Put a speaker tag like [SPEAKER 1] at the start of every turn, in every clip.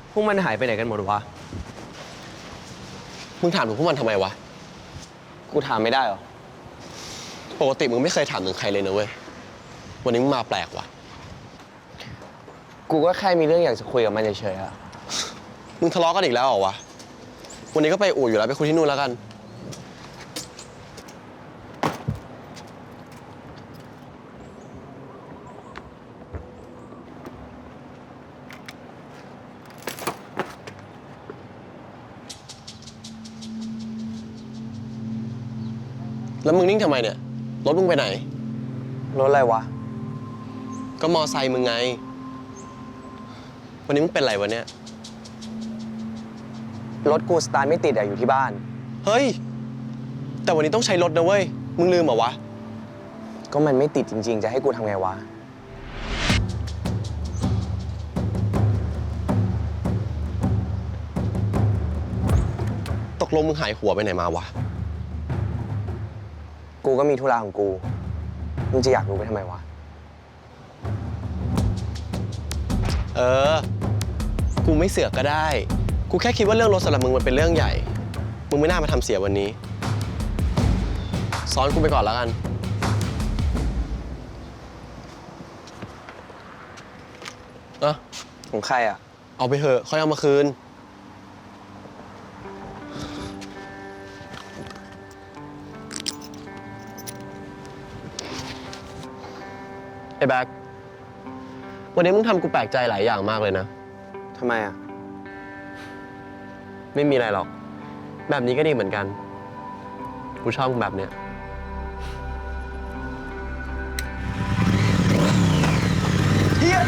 [SPEAKER 1] พวกมันหายไปไหนกันหมดวะ
[SPEAKER 2] มึงถามถึงพวกมันทำไมวะ
[SPEAKER 1] กูถามไม่ได้หรอ
[SPEAKER 2] ปกติมึงไม่เคยถามถึงใครเลยนะเว้ยวันนี้มึงมาแปลกว่ะ
[SPEAKER 1] กูก็แค่มีเรื่องอยากจะคุยกับมันเฉยๆอะ
[SPEAKER 2] มึงทะเลาะกันอีกแล้วเหรอวะวันนี้ก็ไปอู่อยู่แล้วไปคุยที่นู่นแล้วกันแล้วมึงนิ่งทำไมเนี่ยรถมึงไปไหน
[SPEAKER 1] รถอะไรวะ
[SPEAKER 2] ก็มอไซค์มึงไงวันนี้มึงเป็นไรวะเนี่ย
[SPEAKER 1] รถกูสตาร์ทไม่ติดอะอยู่ที่บ้าน
[SPEAKER 2] เฮ้ยแต่วันนี้ต้องใช้รถนะเว้ยมึงลืมเหรอวะ
[SPEAKER 1] ก็มันไม่ติดจริงๆจะให้กูทำไงวะ
[SPEAKER 2] ตกลงมึงหายหัวไปไหนมาวะ
[SPEAKER 1] กูก็มีธุระของกูมึงจะอยากรู้ไปทำไมวะ
[SPEAKER 2] กูไม่เสือกก็ได้กูแค่คิดว่าเรื่องรถสำหรับมึงมันเป็นเรื่องใหญ่มึงไม่น่ามาทำเสียวันนี้ซ้อนกูไปก่อนแล้วกัน
[SPEAKER 1] ของใครอะ
[SPEAKER 2] เอาไปเถอะค่อยเอามาคืนไอ้แบ็ควันนี้มึงทำกูแปลกใจหลายอย่างมากเลยนะ
[SPEAKER 1] ทำไมอะ
[SPEAKER 2] ไม่มีอะไรหรอกแบบนี้ก็ดีเหมือนกันกูชอบมึงแบบเนี้ยเฮีย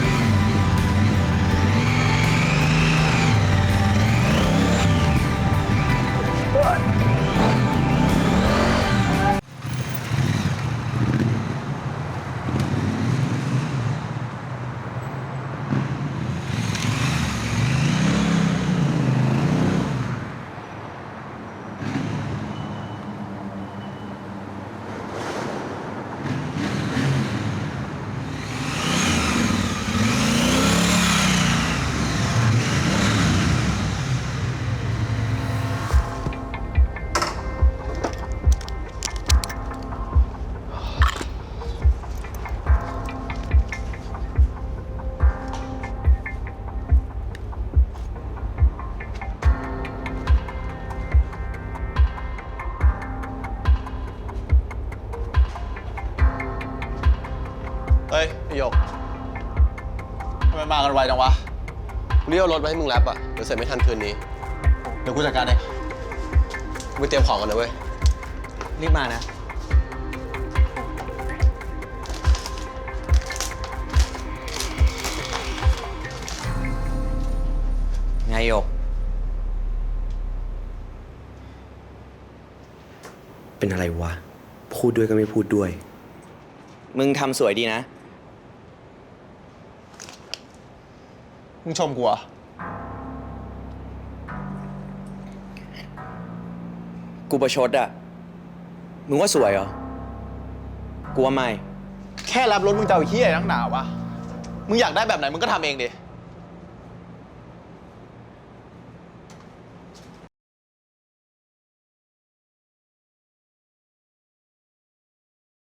[SPEAKER 2] เฮ้ยไอ้หยก
[SPEAKER 3] ทำไมมากันไวจังวะ
[SPEAKER 2] เรียกรถมาให้มึงแรปอ่ะเดี๋ยวเสร็จไม่ทันคืนนี้
[SPEAKER 3] เดี๋ยวกูจัดการเอง
[SPEAKER 2] กูไปเตรียมของกันนะเว้ย
[SPEAKER 1] รีบมานะไงโยก
[SPEAKER 4] เป็นอะไรวะพูดด้วยก็ไม่พูดด้วย
[SPEAKER 1] มึงทำสวยดีนะ
[SPEAKER 3] มึงชมกูเหรอ
[SPEAKER 1] กูประชดอะมึงว่าสวยเหรอกูว่าไม่
[SPEAKER 3] แค่รับรถมึงจะเอาเหี้ยนักหนาวะมึงอยากได้แบบไหนมึงก็ทำเองดิ